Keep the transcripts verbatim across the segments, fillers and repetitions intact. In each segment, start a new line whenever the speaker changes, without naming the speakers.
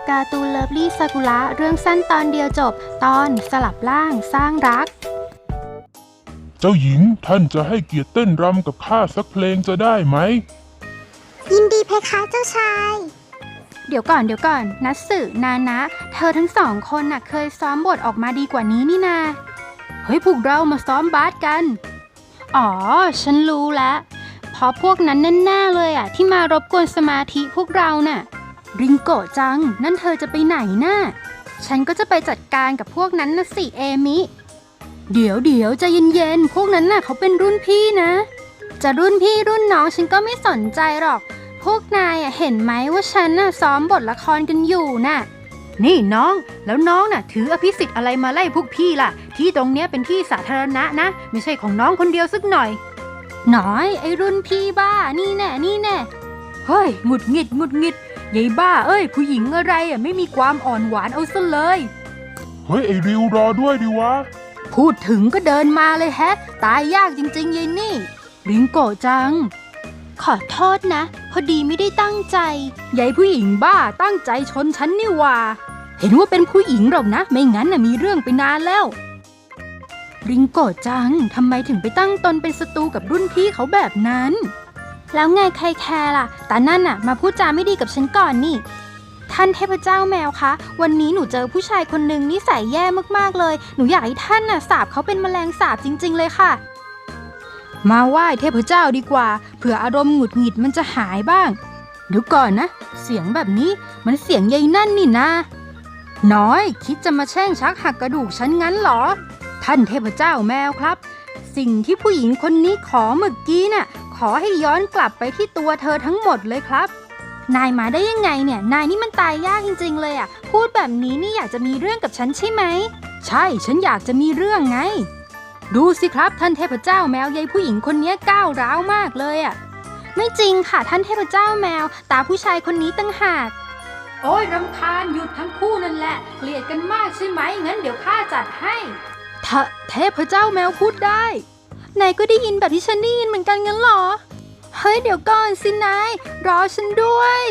การ์ตูนเลิฟลี่ซากุระเรื่องสั้นตอนเดียวจบตอนสลับร่างสร้างรัก
เจ้าหญิงท่านจะให้เกียรติเต้นรำกับข้าสักเพลงจะได้ไหม
ยินดีเพคะเจ้าชาย
เดี๋ยวก่อนเดี๋ยวก่อนนัตสึนานะเธอทั้งสองคนน่ะเคยซ้อมบทออกมาดีกว่านี้นี่นาเฮ้ยพวกเรามาซ้อมบาสกันอ๋อฉันรู้แล้วเพราะพวกนั้นแน่ๆเลยอ่ะที่มารบกวนสมาธิพวกเราน่ะริงโกะจังนั่นเธอจะไปไหนน่ะฉันก็จะไปจัดการกับพวกนั้นนะสิเอมิเดี๋ยวเดี๋ยวใจเย็นๆพวกนั้นน่ะเขาเป็นรุ่นพี่นะจะรุ่นพี่รุ่นน้องฉันก็ไม่สนใจหรอกพวกนายเห็นไหมว่าฉันน่ะซ้อมบทละครกันอยู่น่ะนี่น้องแล้วน้องน่ะถืออภิสิทธิ์อะไรมาไล่พวกพี่ล่ะที่ตรงเนี้ยเป็นที่สาธารณะนะไม่ใช่ของน้องคนเดียวสักหน่อยหน่อยไอ้รุ่นพี่บ้านี่แน่นี่แน่เฮ้ยหงุดหงิดหงุดหงิดยายบ้าเอ้ยผู้หญิงอะไรอ่ะไม่มีความอ่อนหวานเอาซะเลย
เฮ้ยไอ้ริวรอด้วยดิวะ
พูดถึงก็เดินมาเลยแฮะตายยากจริงๆยายนี่ริงโกะจังขอโทษนะพอดีไม่ได้ตั้งใจยายผู้หญิงบ้าตั้งใจชนฉันนี่ว่าเห็นว่าเป็นผู้หญิงหรอกนะไม่งั้นน่ะมีเรื่องไปนานแล้วริงโกะจังทำไมถึงไปตั้งตนเป็นศัตรูกับรุ่นพี่เขาแบบนั้นแล้วไงใครแคร์ล่ะแต่นั่นน่ะมาพูดจาไม่ดีกับฉันก่อนนี่ท่านเทพเจ้าแมวคะวันนี้หนูเจอผู้ชายคนหนึ่งนิสัยแย่มากๆเลยหนูอยากให้ท่านน่ะสาปเขาเป็นแมลงสาบจริงๆเลยค่ะมาไหว้เทพเจ้าดีกว่าเผื่ออารมณ์หงุดหงิดมันจะหายบ้างเดี๋ยวก่อนนะเสียงแบบนี้มันเสียงยายนั่นนี่นะน้อยคิดจะมาแช่งชักหักกระดูกฉันงั้นเหรอท่านเทพเจ้าแมวครับสิ่งที่ผู้หญิงคนนี้ขอเมื่อกี้น่ะขอให้ย้อนกลับไปที่ตัวเธอทั้งหมดเลยครับนายมาได้ยังไงเนี่ยนายนี่มันตายยากจริงๆเลยอ่ะพูดแบบนี้นี่อยากจะมีเรื่องกับฉันใช่ไหมใช่ฉันอยากจะมีเรื่องไงดูสิครับท่านเทพเจ้าแมวยายผู้หญิงคนนี้ก้าวร้าวมากเลยอ่ะไม่จริงค่ะท่านเทพเจ้าแมวตาผู้ชายคนนี้ตั้งหากโอ้ยรำคาญหยุดทั้งคู่นั่นแหละเกลียดกันมากใช่ไหมงั้นเดี๋ยวข้าจัดให้เทเทพเจ้าแมวพูดได้นายก็ได้ยินแบบที่ฉันได้ยินเหมือนกันงั้นเหรอเฮ้ยเดี๋ยวก่อนสินายรอฉันด้วย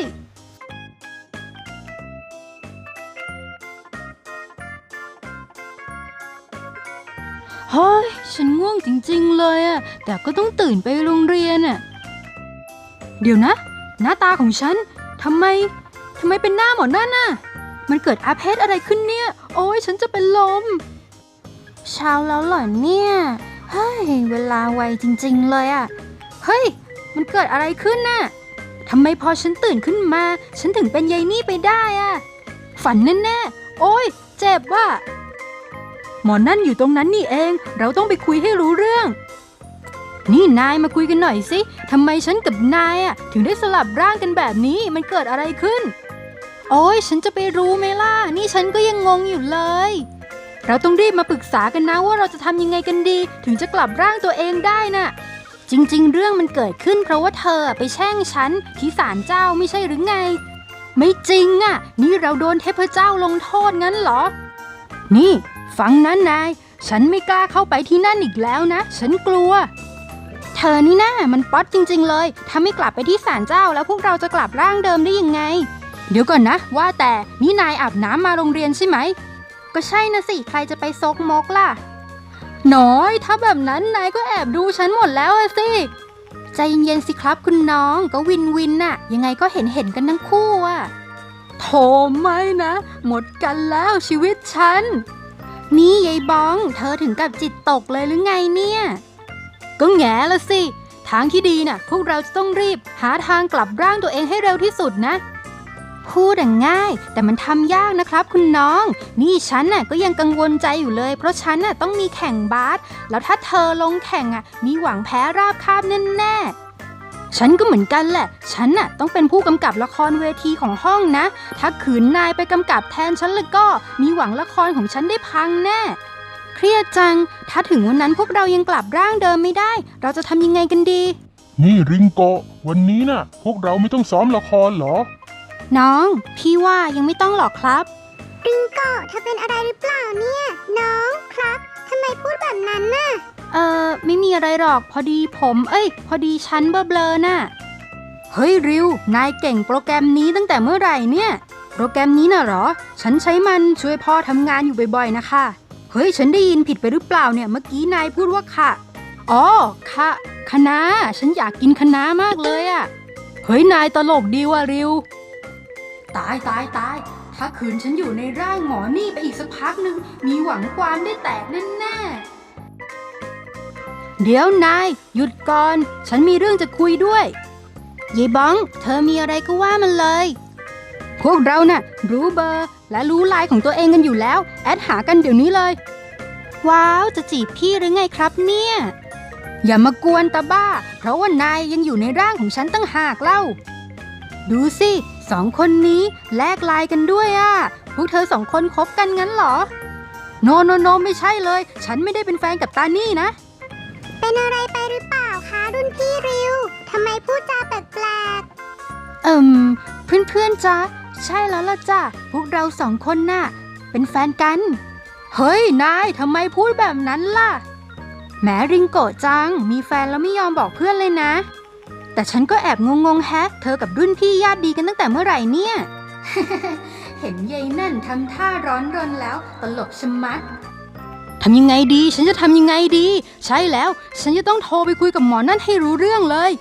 เฮ้ยฉันง่วงจริงๆเลยอะแต่ก็ต้องตื่นไปโรงเรียนอะเดี๋ยวนะหน้าตาของฉันทำไมทำไมเป็นหน้าหมอนั่นน่ะมันเกิดอาเพศอะไรขึ้นเนี่ยโอ้ยฉันจะเป็นลมเช้าแล้วเหรอเนี่ยเฮ้ยเวลาไวจริงๆเลยอะเฮ้ยมันเกิดอะไรขึ้นน่ะทำไมพอฉันตื่นขึ้นมาฉันถึงเป็นยายนี่ไปได้อะฝันแน่ๆโอ้ยเจ็บว่ะหมอนั่นอยู่ตรงนั้นนี่เองเราต้องไปคุยให้รู้เรื่องนี่นายมาคุยกันหน่อยสิทำไมฉันกับนายอะถึงได้สลับร่างกันแบบนี้มันเกิดอะไรขึ้นโอ้ยฉันจะไปรู้ไหมล่ะนี่ฉันก็ยังงงอยู่เลยเราต้องรีบมาปรึกษากันนะว่าเราจะทำยังไงกันดีถึงจะกลับร่างตัวเองได้น่ะจริงๆเรื่องมันเกิดขึ้นเพราะว่าเธอไปแช่งฉันที่ศาลเจ้าไม่ใช่หรือไงไม่จริงอ่ะนี่เราโดนเทพเจ้าลงโทษงั้นเหรอนี่ฟังนะนายฉันไม่กล้าเข้าไปที่นั่นอีกแล้วนะฉันกลัวเธอนี่นะมันป๊อตจริงๆเลยถ้าไม่กลับไปที่ศาลเจ้าแล้วพวกเราจะกลับร่างเดิมได้ยังไงเดี๋ยวก่อนนะว่าแต่นี่นายอาบน้ำมาโรงเรียนใช่ไหมก็ใช่นะสิใครจะไปซกมกล่ะน้อยถ้าแบบนั้นนายก็แอบดูฉันหมดแล้วสิใจเย็นๆสิครับคุณน้องก็วินวินน่ะยังไงก็เห็นเห็นกันทั้งคู่อ่ะโถไม่นะหมดกันแล้วชีวิตฉันนี่ยายบ้องเธอถึงกับจิตตกเลยหรือไงเนี่ยก็แง่ละสิทางที่ดีน่ะพวกเราจะต้องรีบหาทางกลับร่างตัวเองให้เร็วที่สุดนะพูดง่ายแต่มันทำยากนะครับคุณน้องนี่ฉันน่ะก็ยังกังวลใจอยู่เลยเพราะฉันน่ะต้องมีแข่งบาสแล้วถ้าเธอลงแข่งอ่ะมีหวังแพ้ราบคาบแน่ๆฉันก็เหมือนกันแหละฉันน่ะต้องเป็นผู้กำกับละครเวทีของห้องนะถ้าขืนนายไปกำกับแทนฉันแล้วก็มีหวังละครของฉันได้พังแน่เครียดจังถ้าถึงวันนั้นพวกเรายังกลับร่างเดิมไม่ได้เราจะทำยังไงกันดี
นี่ริงโกะวันนี้น่ะพวกเราไม่ต้องซ้อมละครเหรอ
น้องพี่ว่ายังไม่ต้องหรอกครับ
ริงโกะเธอเป็นอะไรหรือเปล่าเนี่ยน้องครับทำไมพูดแบบนั้นน่ะ
เออไม่มีอะไรหรอกพอดีผมเอ้ยพอดีฉันเบลอๆน่ะเฮ้ยริวนายเก่งโปรแกรมนี้ตั้งแต่เมื่อไหร่เนี่ยโปรแกรมนี้น่ะเหรอฉันใช้มันช่วยพ่อทำงานอยู่บ่อยๆนะคะเฮ้ยฉันได้ยินผิดไปหรือเปล่าเนี่ยเมื่อกี้นายพูดว่าค่ะอ๋อค่ะคะน้าฉันอยากกินคะน้ามากเลยอะเฮ้ยนายตลกดีว่ะริวตายตายตายถ้าคืนฉันอยู่ในร่างหมอนี่ไปอีกสักพักหนึ่งมีหวังความได้แตกแน่ๆเดี๋ยวนายหยุดก่อนฉันมีเรื่องจะคุยด้วยยายบ้องเธอมีอะไรก็ว่ามันเลยพวกเราน่ะรู้เบอร์และรู้ไลน์ของตัวเองกันอยู่แล้วแอดหากันเดี๋ยวนี้เลยว้าวจะจีบพี่หรือไงครับเนี่ยอย่ามากวนตาบ้าเพราะว่านายยังอยู่ในร่างของฉันตั้งหากเล่าดูสิสองคนนี้แลกไลน์กันด้วยอ่ะพวกเธอสองคนคบกันงั้นเหรอโนโนโนไม่ใช่เลยฉันไม่ได้เป็นแฟนกับตานี่นะ
เป็นอะไรไปหรือเปล่าคะรุ่นพี่ริวทำไมพูดจาแปลกๆ
เอิ่มเพื่อนๆจ๊ะใช่แล้วล่ะจ้ะพวกเราสองคนน่ะเป็นแฟนกันเฮ้ยนายทำไมพูดแบบนั้นล่ะแหมริงโกะจังมีแฟนแล้วไม่ยอมบอกเพื่อนเลยนะแต่ฉันก็แอบงงๆแฮะเธอกับรุ่นพี่ญาติดีกันตั้งแต่เมื่อไหร่เนี่ย เห็นยายนั่นทำท่าร้อนรนแล้วตลกชะมัดทำยังไงดีฉันจะทำยังไงดีใช่แล้วฉันจะต้องโทรไปคุยกับหมอนั่นให้รู้เรื่องเลย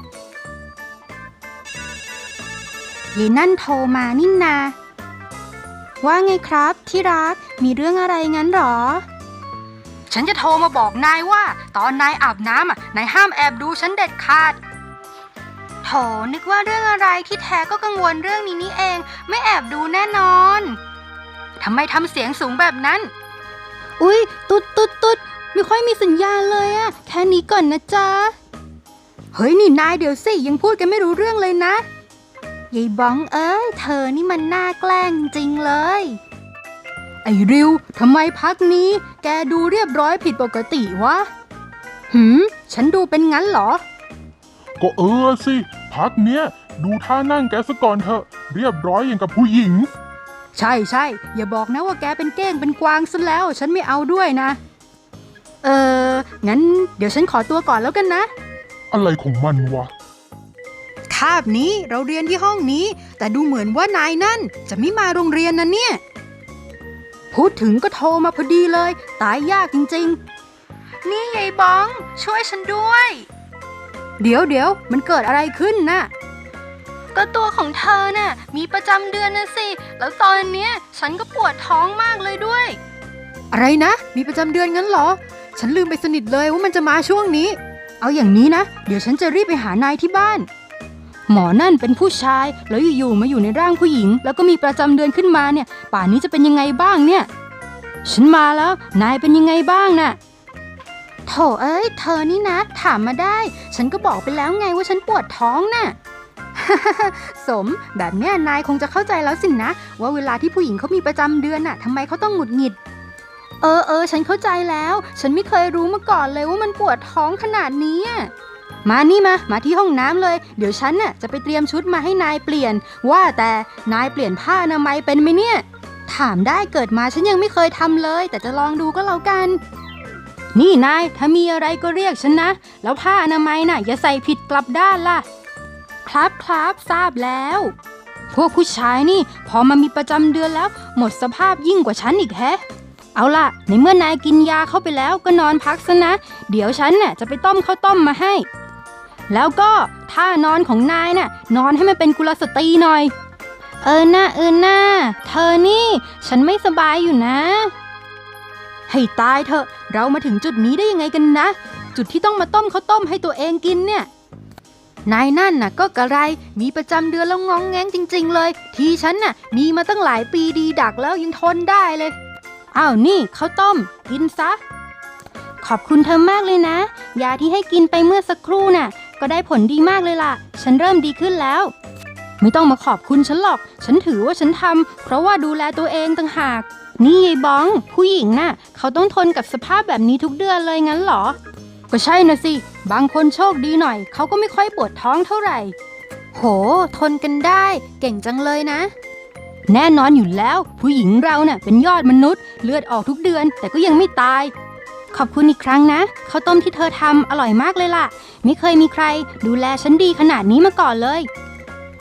ยายนั่นโทรมานี่นาว่าไงครับที่รักมีเรื่องอะไรงั้นหรอฉันจะโทรมาบอกนายว่าตอนนายอาบน้ำอ่ะนายห้ามแอบดูฉันเด็ดขาดโถนึกว่าเรื่องอะไรที่แท้ก็กังวลเรื่องนี้นี่เองไม่แอบดูแน่นอนทำไมทำเสียงสูงแบบนั้นอุ๊ยตุ๊ดตุ๊ดตุ๊ดไม่ค่อยมีสัญญาณเลยอะแค่นี้ก่อนนะจ๊ะเฮ้ยนี่นายเดี๋ยวสิยังพูดกันไม่รู้เรื่องเลยนะยายบ้องเอ้ยเธอนี่มันน่าแกล้งจริงเลยไอ้ริวทำไมพักนี้แกดูเรียบร้อยผิดปกติวะหืมฉันดูเป็นงั้นเหรอ
ก็เออสิพักเนี้ยดูท่านั่งแกซะก่อนเถอะเรียบร้อยอย่างกับผู้หญิง
ใช่ใช่อย่าบอกนะว่าแกเป็นเก้งเป็นกวางซะแล้วฉันไม่เอาด้วยนะเอองั้นเดี๋ยวฉันขอตัวก่อนแล้วกันนะ
อะไรของมันวะ
คาบนี้เราเรียนที่ห้องนี้แต่ดูเหมือนว่านายนั่นจะไม่มาโรงเรียนนะเนี่ยพูดถึงก็โทรมาพอดีเลยตายยากจริงๆนี่ยายบ้องช่วยฉันด้วยเดี๋ยวเดี๋ยวมันเกิดอะไรขึ้นน่ะก็ตัวของเธอน่ะมีประจำเดือนนะสิแล้วตอนเนี้ยฉันก็ปวดท้องมากเลยด้วยอะไรนะมีประจำเดือนงั้นเหรอฉันลืมไปสนิทเลยว่ามันจะมาช่วงนี้เอาอย่างนี้นะเดี๋ยวฉันจะรีบไปหานายที่บ้านหมอนั่นเป็นผู้ชายแล้วอยู่ๆมาอยู่ในร่างผู้หญิงแล้วก็มีประจำเดือนขึ้นมาเนี่ยป่านนี้จะเป็นยังไงบ้างเนี่ยฉันมาแล้วนายเป็นยังไงบ้างน่ะโถเอ้ยเธอนี่นะถามมาได้ฉันก็บอกไปแล้วไงว่าฉันปวดท้องน่ะ สมแบบเนี้ยนายคงจะเข้าใจแล้วสินะว่าเวลาที่ผู้หญิงเขามีประจำเดือนน่ะทำไมเขาต้องหงุดหงิดเออเออฉันเข้าใจแล้วฉันไม่เคยรู้มาก่อนเลยว่ามันปวดท้องขนาดนี้มานี่มามาที่ห้องน้ำเลยเดี๋ยวฉันน่ะจะไปเตรียมชุดมาให้นายเปลี่ยนว่าแต่นายเปลี่ยนผ้าอนามัยเป็นไหมเนี่ยถามได้เกิดมาฉันยังไม่เคยทำเลยแต่จะลองดูก็แล้วกันนี่นายถ้ามีอะไรก็เรียกฉันนะแล้วผ้าอนามัยน่ะอย่าใส่ผิดกลับด้านล่ะครับครับทราบแล้วพวกผู้ชายนี่พอมามีประจำเดือนแล้วหมดสภาพยิ่งกว่าฉันอีกแฮะเอาล่ะในเมื่อนายกินยาเข้าไปแล้วก็นอนพักซะนะเดี๋ยวฉันน่ะจะไปต้มข้าวต้มมาให้แล้วก็ท่านอนของนายน่ะนอนให้มันเป็นกุลสตรีหน่อยเออหน้าเออหน้าเธอนี่ฉันไม่สบายอยู่นะให้ตายเถอะเรามาถึงจุดนี้ได้ยังไงกันนะจุดที่ต้องมาต้มข้าวต้มให้ตัวเองกินเนี่ยนายนั่นน่ะก็กระไรมีประจำเดือนแล้วงองแงงจริงๆเลยทีฉันน่ะมีมาตั้งหลายปีดีดักแล้วยังทนได้เลยอ้าวนี่ข้าวต้มกินซะขอบคุณเธอมากเลยนะยาที่ให้กินไปเมื่อสักครู่น่ะก็ได้ผลดีมากเลยล่ะฉันเริ่มดีขึ้นแล้วไม่ต้องมาขอบคุณฉันหรอกฉันถือว่าฉันทำเพราะว่าดูแลตัวเองต่างหากนี่ยายบ้องผู้หญิงน่ะเขาต้องทนกับสภาพแบบนี้ทุกเดือนเลยงั้นเหรอก็ใช่นะสิบางคนโชคดีหน่อยเขาก็ไม่ค่อยปวดท้องเท่าไหร่โหทนกันได้เก่งจังเลยนะแน่นอนอยู่แล้วผู้หญิงเราเน่ะเป็นยอดมนุษย์เลือดออกทุกเดือนแต่ก็ยังไม่ตายขอบคุณอีกครั้งนะข้าวต้มที่เธอทำอร่อยมากเลยล่ะไม่เคยมีใครดูแลฉันดีขนาดนี้มาก่อนเลย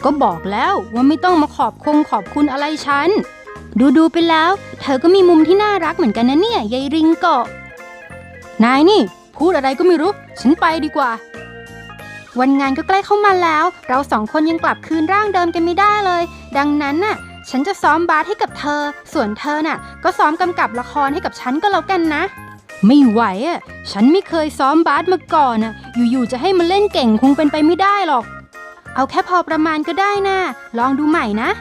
ก็บอกแล้วว่าไม่ต้องมาขอบคงขอบคุณอะไรฉัน ดูดูไปแล้ว เธอก็มีมุมที่น่ารักเหมือนกันนะเนี่ยยายริงโกะนายนี่พูดอะไรก็ไม่รู้ ฉันไปดีกว่า วันงานก็ใกล้เข้ามาแล้ว เราสองคนยังกลับคืนร่างเดิมกันไม่ได้เลย ดังนั้นน่ะ ฉันจะซ้อมบาสให้กับเธอ ส่วนเธอน่ะ ก็ซ้อมกำกับละครให้กับฉันก็แล้วกันนะ ไม่ไหวอ่ะ ฉันไม่เคยซ้อมบาสมาก่อนน่ะ อยู่ๆจะให้มาเล่นเก่งคงเป็นไปไม่ได้หรอก เอาแค่พอประมาณก็ได้นะลองดูใหม่นะ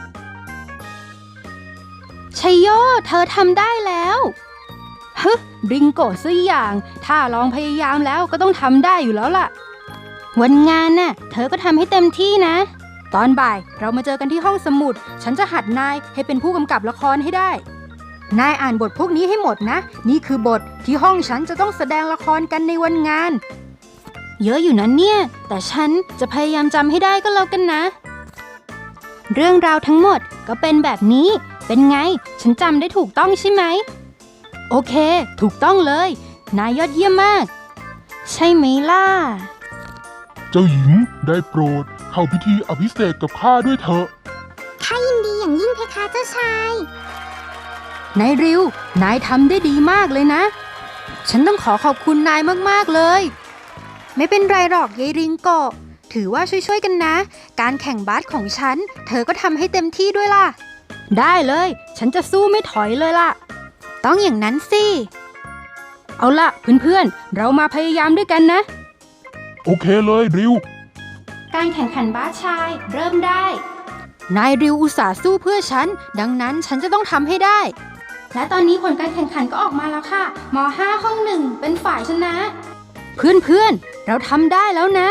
ชัยโยเธอทำได้แล้วฮึริงโกะซะอย่างถ้าลองพยายามแล้วก็ต้องทำได้อยู่แล้วล่ะวันงานน่ะเธอก็ทำให้เต็มที่นะตอนบ่ายเรามาเจอกันที่ห้องสมุดฉันจะหัดนายให้เป็นผู้กำกับละครให้ได้นายอ่านบทพวกนี้ให้หมดนะนี่คือบทที่ห้องฉันจะต้องแสดงละครกันในวันงานเยอะอยู่นะเนี่ยแต่ฉันจะพยายามจำให้ได้ก็แล้วกันนะเรื่องราวทั้งหมดก็เป็นแบบนี้เป็นไงฉันจำได้ถูกต้องใช่ไหมโอเคถูกต้องเลยนายยอดเยี่ยมมากใช่ไหมล่ะ
เจ้าหญิงได้โปรดเข้าพิธีอภิเษกกับข้าด้วยเถอะ
ข้ายินดีอย่างยิ่งเพคะเจ้าชาย
นายริวนายทำได้ดีมากเลยนะฉันต้องขอขอบคุณนายมากๆเลยไม่เป็นไรหรอกยายริงโกะถือว่าช่วยๆกันนะการแข่งบาสของฉันเธอก็ทำให้เต็มที่ด้วยล่ะได้เลยฉันจะสู้ไม่ถอยเลยล่ะต้องอย่างนั้นสิเอาล่ะเพื่อนๆเรามาพยายามด้วยกันนะ
โอเคเลยริว
การแข่งขันบาสชายเริ่มได้นายริวอุตส่าห์สู้เพื่อฉันดังนั้นฉันจะต้องทำให้ได้และตอนนี้ผลการแข่งขันก็ออกมาแล้วค่ะม.ห้า ห้องหนึ่งเป็นฝ่ายชนะเพื่อนๆเราทำได้แล้วนะ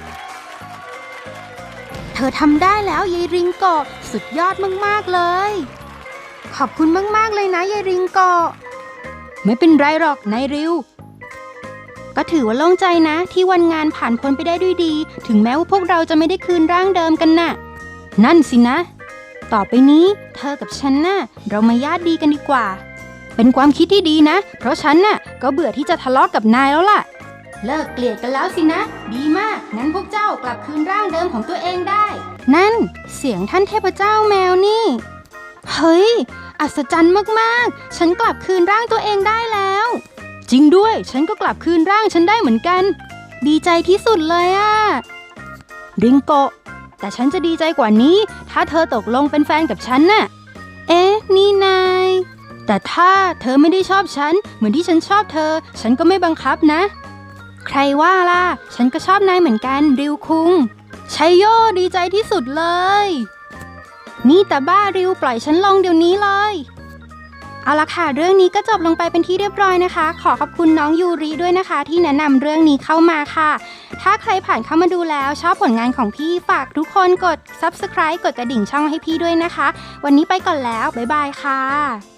เธอทำได้แล้วยายริงโกะสุดยอดมากๆเลยขอบคุณมากๆเลยนะยายริงโกะไม่เป็นไรหรอกนายริวก็ถือว่าโล่งใจนะที่วันงานผ่านพ้นไปได้ด้วยดีถึงแม้ว่าพวกเราจะไม่ได้คืนร่างเดิมกันน่ะนั่นสินะต่อไปนี้เธอกับฉันน่ะเรามาญาติดีกันดีกว่าเป็นความคิดที่ดีนะเพราะฉันน่ะก็เบื่อที่จะทะเลาะกับนายแล้วล่ะเลิกเกลียดกันแล้วสินะดีมากงั้นพวกเจ้ากลับคืนร่างเดิมของตัวเองได้นั่นเสียงท่านเทพเจ้าแมวนี่เฮ้ยอัศจรรย์มากๆฉันกลับคืนร่างตัวเองได้แล้วจริงด้วยฉันก็กลับคืนร่างฉันได้เหมือนกันดีใจที่สุดเลยอะริงโกะแต่ฉันจะดีใจกว่านี้ถ้าเธอตกลงเป็นแฟนกับฉันน่ะเอ๊ะนี่นายแต่ถ้าเธอไม่ได้ชอบฉันเหมือนที่ฉันชอบเธอฉันก็ไม่บังคับนะใครว่าล่ะฉันก็ชอบนายเหมือนกันริวคุงชัยโยดีใจที่สุดเลยนี่แต่บ้าริวปล่อยฉันลงเดี๋ยวนี้เลยเอาละค่ะเรื่องนี้ก็จบลงไปเป็นที่เรียบร้อยนะคะขอขอบคุณน้องยูริด้วยนะคะที่แนะนำเรื่องนี้เข้ามาค่ะถ้าใครผ่านเข้ามาดูแล้วชอบผลงานของพี่ฝากทุกคนกด ซับสไครบ์ กดกระดิ่งช่องให้พี่ด้วยนะคะวันนี้ไปก่อนแล้วบ๊ายบายค่ะ